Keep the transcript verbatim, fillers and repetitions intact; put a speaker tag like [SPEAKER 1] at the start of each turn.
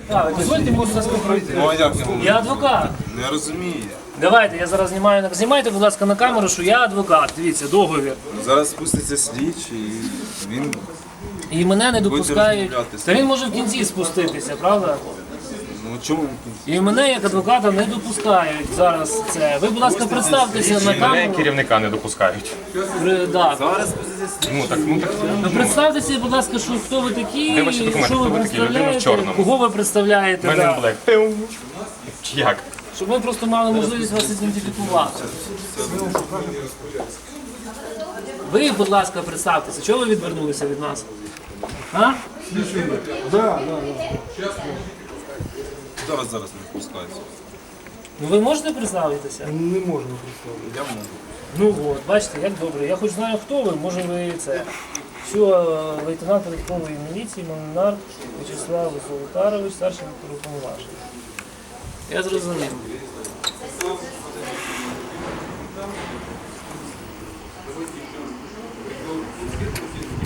[SPEAKER 1] Так, дозвольте, можу вас попросити.
[SPEAKER 2] Ну а як я можу?
[SPEAKER 1] Я адвокат.
[SPEAKER 2] Не розумію.
[SPEAKER 1] Давайте, я зараз знімаю, на- знімайте, будь ласка, на камеру, що я адвокат. Дивіться, договір.
[SPEAKER 2] Зараз спуститься слідчий і він...
[SPEAKER 1] І мене не допускають.
[SPEAKER 2] розмовлятися.
[SPEAKER 1] Та він може в кінці спуститися, правда?
[SPEAKER 2] Ну чому він кінці?
[SPEAKER 1] І мене як адвоката не допускають зараз це. Ви, будь ласка, представтеся на
[SPEAKER 3] Мене
[SPEAKER 1] камеру.
[SPEAKER 3] керівника не допускають.
[SPEAKER 1] При- да.
[SPEAKER 2] Зараз спуститься слідчий.
[SPEAKER 3] Ну так, ну так.
[SPEAKER 1] Ну, представтеся, будь ласка, що хто ви такі,
[SPEAKER 3] Де ваші документи?
[SPEAKER 1] що ви
[SPEAKER 3] Хто ви такі? Людина в
[SPEAKER 1] представляєте,
[SPEAKER 3] чорному.
[SPEAKER 1] кого ви представляєте.
[SPEAKER 3] Men
[SPEAKER 1] Да.
[SPEAKER 3] in Black. Чи як?
[SPEAKER 1] Щоб ми просто мали можливість вас ідентифікувати. Ви, будь ласка, представтеся, чого ви відвернулися від нас? А?
[SPEAKER 2] Зараз, зараз не впускається.
[SPEAKER 1] Ну ви можете представитися?
[SPEAKER 4] Не можна представити.
[SPEAKER 2] Я можу.
[SPEAKER 1] Ну от, бачите, як добре. Я хоч знаю, хто ви, може ви це. Все, лейтенант податкової міліції, Монар В'ячеслав Золотарович, старший уповноважений. Я зрозумів.